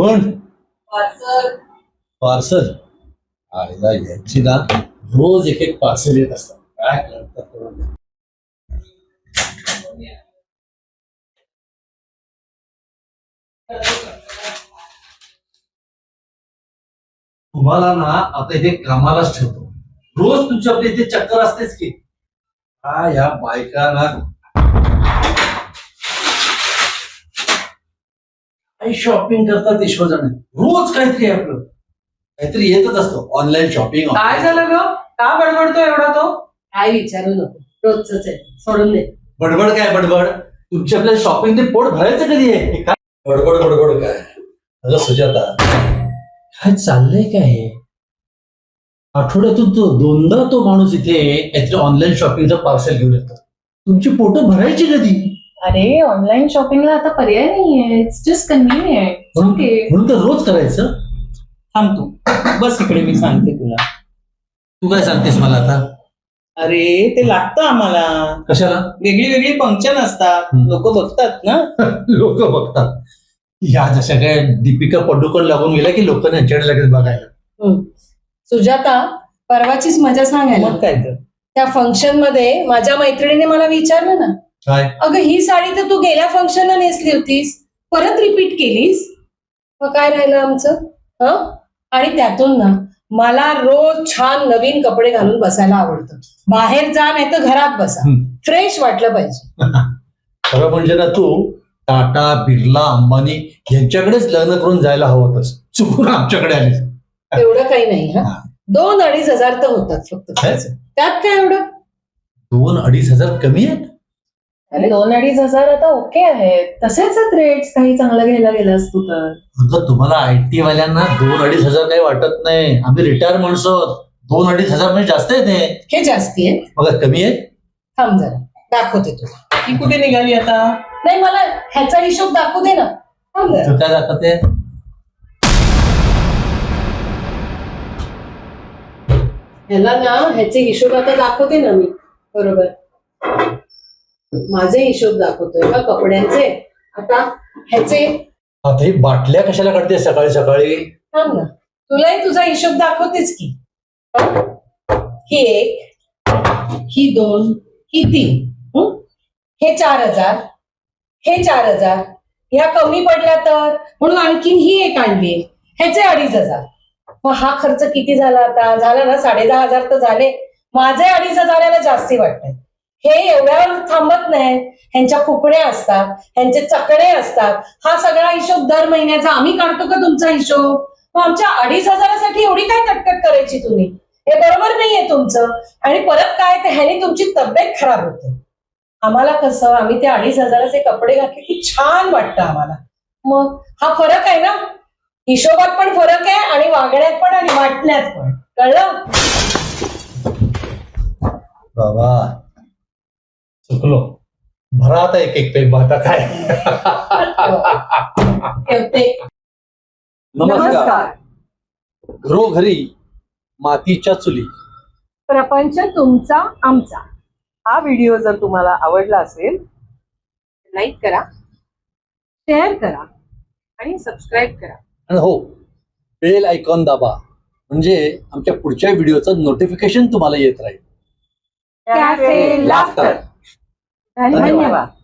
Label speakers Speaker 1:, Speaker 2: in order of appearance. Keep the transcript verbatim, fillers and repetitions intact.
Speaker 1: कोण?
Speaker 2: Parcel.
Speaker 1: Parcel? आईला यांची ना रोज एक एक पार्सल येत असतात. काय करतात कोण? तुम्हाला ना आता इथे कामालाच ठेवतो. रोज तुमच्या आपल्या इथे चक्कर असतेच की. हा या बायका ना काही शॉपिंग करतात ईश्वरजण. रोज काहीतरी आहे आपलं काहीतरी येतच असतं. Online shopping.
Speaker 2: काय झालं ग? का बडबडतो एवढा तो? काय विचारू नको, रोजच आहे, सोडून दे.
Speaker 1: बडबड काय बडबड? तुमच्या आपल्या शॉपिंग ते पोट भरायचं कधी आहे? काय बडबड बडबड काय? अगं सुजाता, काय चाललंय काय हे? आठवड्यातून तो दोनदा तो माणूस इथे काहीतरी ऑनलाईन शॉपिंगचं पार्सल घेऊन येतो. तुमची पोट भरायची कधी?
Speaker 2: अरे ऑनलाईन शॉपिंगला आता पर्याय नाहीये. It's just convenient. ओके,
Speaker 1: म्हणून तर रोज करायचं.
Speaker 3: थांब तू बस इकडे, मी सांगते तुला.
Speaker 1: तू काय सांगतेस मला आता?
Speaker 3: अरे ते लागतं आम्हाला.
Speaker 1: कशाला?
Speaker 3: वेगळी वेगळी फंक्शन असतात,
Speaker 1: हम्म.
Speaker 3: लोक बघतात ना.
Speaker 1: लोक बघतात. या जशा काय दीपिका पडुकोण लागून गेल्या की लोकांना यांच्याकडे लगेच बघायला.
Speaker 2: सुजाता, परवाचीच मजा सांगायला.
Speaker 3: मग काय तर.
Speaker 2: त्या फंक्शन मध्ये माझ्या मैत्रिणीने मला विचारलं ना,
Speaker 1: काय?
Speaker 2: अगं ही साडी तर तू गेल्या फंक्शनला नेसली होतीस, परत रिपीट केलीस, मग काय राहिलं आमचं? हं? आणि त्यातून ना मला रोज छान नवीन कपडे घालून बसायला आवडतं. बाहेर जा नाही तर घरात बसा,
Speaker 1: हम्म.
Speaker 2: फ्रेश वाटलं पाहिजे.
Speaker 1: खरं म्हणजे ना तू टाटा बिर्ला अंबानी यांच्याकडेच लग्न करून जायला हवं होतंस. चुकून आमच्याकडे आलीस.
Speaker 2: एवढं काही नाही. हा,
Speaker 1: हा.
Speaker 2: दोन अडीच हजार तर होतात फक्त.
Speaker 1: काय?
Speaker 2: त्यात काय एवढं?
Speaker 1: दोन अडीच हजार कमी आहेत?
Speaker 2: अरे दोन अडीच हजार आता ओके आहेत, तसेच रेट्स. काही चांगलं घ्यायला गेलं असतो तर.
Speaker 1: अगं तुम्हाला आयटी वाल्यांना दोन अडीच हजार काही वाटत नाही. आम्ही रिटायर माणसं आहोत. दोन अडीच हजार म्हणजे जास्त आहे ते.
Speaker 2: हे जास्ती आहेत.
Speaker 1: बघा कमी आहे.
Speaker 2: थांब जरा दाखवते तुला.
Speaker 3: ही कुठे निघाली आता?
Speaker 2: नाही, मला ह्याचा हिशोब दाखवू दे ना. थांब जरा.
Speaker 1: तर काय दाखवते?
Speaker 2: ह्याला ना ह्याचे हिशोब आता दाखवते ना मी. बरोबर, माझे हिशोब दाखवतोय का कपड्यांचे. आता ह्याचे
Speaker 1: आता ही बाटल्या कशाला काढते सकाळी सकाळी?
Speaker 2: थांब ना, तुलाही तुझा हिशोब दाखवतेच की. ही एक, ही दोन, ही तीन, हं? हे चार हजार, हे चार हजार. ह्या कमी पडल्या तर म्हणून आणखीन ही एक आणली, ह्याचे अडीच हजार. मग हा खर्च किती झाला आता? झाला ना साडे दहा हजार तर झाले. माझे अडीच हजाराला जास्ती वाटतंय. हे एवढ्यावर थांबत नाही. ह्यांच्या कुपड्या असतात, ह्यांचे चकडे असतात. हा सगळा हिशोब दर महिन्याचा आम्ही काढतो का तुमचा हिशोब? मग आमच्या अडीच हजारासाठी एवढी काय कटकट करायची तुम्ही? हे बरोबर नाहीये तुमचं. आणि परत काय ते ह्याने तुमची तब्येत खराब होते. आम्हाला कसं, आम्ही ते अडीच हजाराचे कपडे घातले की छान वाटतं आम्हाला. मग हा फरक आहे ना, हिशोबात पण फरक आहे आणि वागण्यात पण आणि वाटण्यात पण. कळलं?
Speaker 1: बाबा चुकलो. भरा आता एक एक पेग आता काय.
Speaker 2: ठेवते.
Speaker 1: नमस्कार. घरोघरी मातीच्या चुली.
Speaker 2: प्रपंच तुमचा आमचा.
Speaker 4: हा व्हिडिओ जर तुम्हाला आवडला असेल
Speaker 2: लाईक करा, शेअर करा आणि सबस्क्राईब करा.
Speaker 1: आणि हो, बेल आयकॉन दाबा म्हणजे आमच्या पुढच्या व्हिडिओचं नोटिफिकेशन तुम्हाला येत राहील.
Speaker 2: Cafe laughter.
Speaker 1: धन्यवाद.
Speaker 4: धन्यवाद.